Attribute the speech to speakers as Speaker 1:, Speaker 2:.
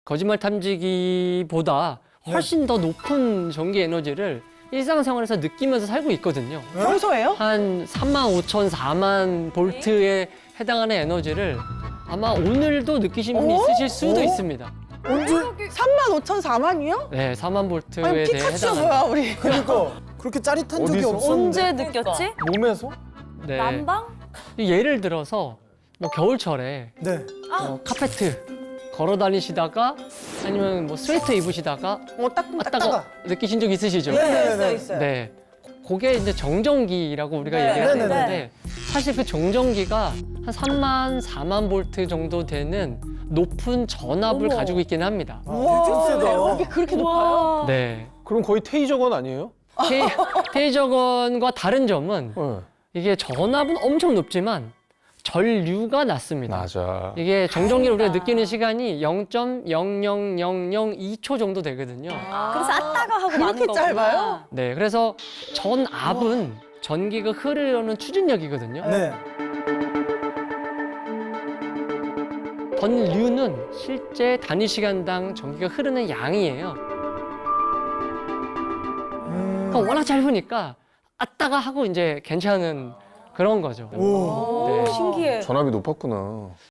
Speaker 1: 거짓말 탐지기보다 훨씬 더 높은 전기 에너지를 일상생활에서 느끼면서 살고 있거든요.
Speaker 2: 평소에요?
Speaker 1: 한 3만 5천, 4만 볼트에 해당하는 에너지를 아마 오늘도 느끼신 분이 있으실 수도 있습니다.
Speaker 2: 언제? 3만 5천 4만이요?
Speaker 1: 네, 4만 볼트에
Speaker 2: 아니
Speaker 1: 대해
Speaker 2: 피카츄가
Speaker 1: 해당하는.
Speaker 2: 뭐야 우리?
Speaker 3: 그러니까 그렇게 짜릿한 적이
Speaker 4: 어디서?
Speaker 3: 없었는데.
Speaker 5: 언제 느꼈지?
Speaker 4: 몸에서?
Speaker 1: 네.
Speaker 5: 난방?
Speaker 1: 예를 들어서 뭐 겨울철에
Speaker 3: 네.
Speaker 1: 카페트 걸어 다니시다가 아니면 뭐 스웨터 입으시다가
Speaker 2: 따끔따끔.
Speaker 1: 느끼신 적 있으시죠?
Speaker 3: 네네네.
Speaker 2: 있어요.
Speaker 1: 네. 그게 이제 정전기라고 우리가
Speaker 2: 네,
Speaker 1: 얘기를
Speaker 3: 네네네.
Speaker 1: 하는데 사실 그 정전기가 한 3만, 4만 볼트 정도 되는 높은 전압을
Speaker 5: 어머.
Speaker 1: 가지고 있긴 합니다.
Speaker 3: 되게 세다.
Speaker 2: 이게 그렇게 높아요?
Speaker 1: 네.
Speaker 4: 그럼 거의 테이저건 아니에요?
Speaker 1: 테이저건과 다른 점은
Speaker 4: 네.
Speaker 1: 이게 전압은 엄청 높지만 전류가 낮습니다.
Speaker 4: 맞아.
Speaker 1: 이게 정전기를 우리가 느끼는 시간이 0.00002초 정도 되거든요.
Speaker 5: 그래서 아따가 하고 마는
Speaker 2: 그렇게
Speaker 5: 거구나.
Speaker 2: 짧아요?
Speaker 1: 네, 그래서 전압은 전기가 흐르는 추진력이거든요.
Speaker 3: 네.
Speaker 1: 전류는 실제 단위 시간당 전기가 흐르는 양이에요. 그러니까 워낙 짧으니까 아따가 하고 이제 괜찮은 그런 거죠.
Speaker 3: 오.
Speaker 1: 네.
Speaker 5: 신기해.
Speaker 4: 전압이 높았구나.